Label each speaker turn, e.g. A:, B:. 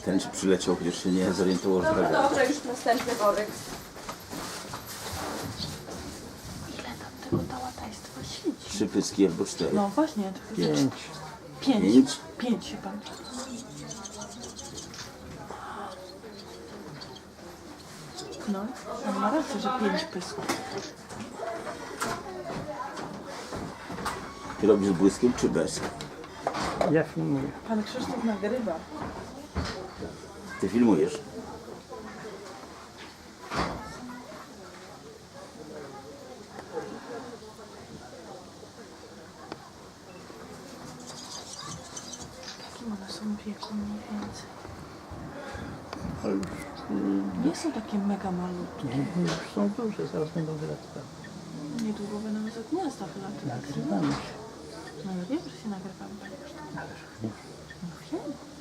A: Ten czy przyleciał, chociaż się nie zorientował, że
B: Dobra,
A: tak.
B: dobra, już następny worek.
C: Ile tam tego ta łatajstwa świeci?
A: 3 pyski albo 4.
C: No właśnie, to jest
A: 5.
C: 5.
A: 5?
C: 5 chyba. No, on ma rację, że 5 pysków.
A: Ty robisz z błyskiem czy bez?
D: Ja filmuję.
C: Pan Krzysztof nagrywa.
A: Ty filmujesz.
C: Jakim one są wieku mniej więcej?
D: Ale już,
C: Nie są takie mega malutkie.
D: już są duże, zaraz będą wylatywały.
C: Niedługo będą za gniazda wylatywać.
D: Nagrywamy się.
C: No ja wiem, że się nagrywamy, panie Krzysztof.
D: Ależ nie.
C: No wiem.